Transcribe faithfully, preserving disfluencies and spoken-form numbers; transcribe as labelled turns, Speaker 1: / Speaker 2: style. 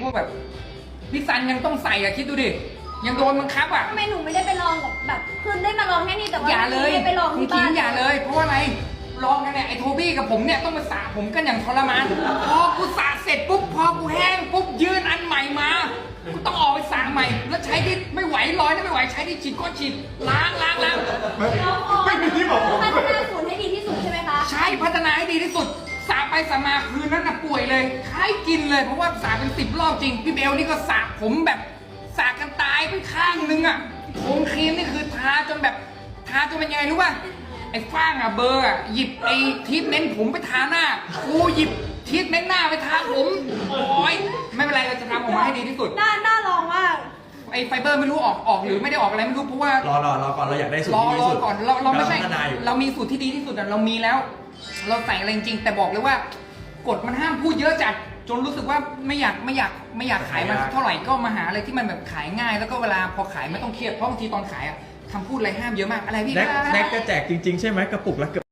Speaker 1: พวกแบบพี่ซันยังต้องใส่อะคิดดูดิยังโดนบังคับอะ
Speaker 2: ทำไมหนูไม่ได้ไปลองกับแบบคือได้มาลองแค่นี้แต่ว่า
Speaker 1: อย่าเลย
Speaker 2: ไม่ได้ไปลอง
Speaker 1: คุณ
Speaker 2: ที่
Speaker 1: คิ
Speaker 2: บ้าง น
Speaker 1: อย่าเลยเพราะว่าอะไรลองกันเนี่ยไอ้โทบี้กับผมเนี่ยต้องมาสระผมกันอย่างทรมานพอกูสระเสร็จปุ๊บพอกูแห้งปุ๊บยื่นอันใหม่มากูต้องออกไปสระใหม่แล้วใช้ที่ไม่ไหวร้อยนะไม่ไหวใช้ที่ฉีดก้อนฉีดล้างล้างล้าง
Speaker 3: ไม่มีที่บอกผม
Speaker 2: พัฒนาศูนย์ให้ดีที่สุดใช่ไหมคะ
Speaker 1: ใช่พัฒนาให้ดีที่สุดสระไปสระมาคืนนั้นน่ะป่วยเลยคล้ายกินเลยเพราะว่าสระเป็นสิบรอบจริงพี่เบลนี่ก็สระผมแบบสระกันตายไปข้างนึงอ่ะโคนครีมนี่คือทาจนแบบทาจนเป็นยังไงรู้ป่ะไอ้ฟ้างอ่ะเบอร์อ่ะหยิบไอ้ทีทเมนต์ผมไปทาหน้ากูหยิบทีทเมนต์หน้าไปทาผมโอ้ยไม่เป็นไรเราจะทำออกมาให้ดีที่สุด
Speaker 2: น่าน่าลองมาก
Speaker 1: ไอ้ไฟเบอร์ไม่รู้ออกออกหรือไม่ได้ออกอะไรไม่รู้เพราะว่าร
Speaker 3: อรอรอก่อนเราอยากได้สูต
Speaker 1: ร
Speaker 3: ร
Speaker 1: อ
Speaker 3: ที่ดี
Speaker 1: ร
Speaker 3: ที่
Speaker 1: อ
Speaker 3: สุด
Speaker 1: ก่อนเราเราไม่ใช่
Speaker 3: กำลังพัฒนาอยู่
Speaker 1: เรามีสูตรที่ดีที่สุดอะเรามีแล้ว เราใส่อะไรจริงๆแต่บอกเลยว่ากฎมันห้ามพูดเยอะจัดจนรู้สึกว่าไม่อยากไม่อยากไม่อยากขายมันเท่าไหร่ก็มาหาอะไรที่มันแบบขายง่าย แล้วก็เวลาพอขายไม่ต้องเครียดเพราะบางทีตอนขายอะคำพูดอะไรห้ามเยอะมากอะไรพี่
Speaker 3: แน็ก
Speaker 1: คะ
Speaker 3: แน็กจะแจกจริงๆใช่ไหมกระปุกละเกือบ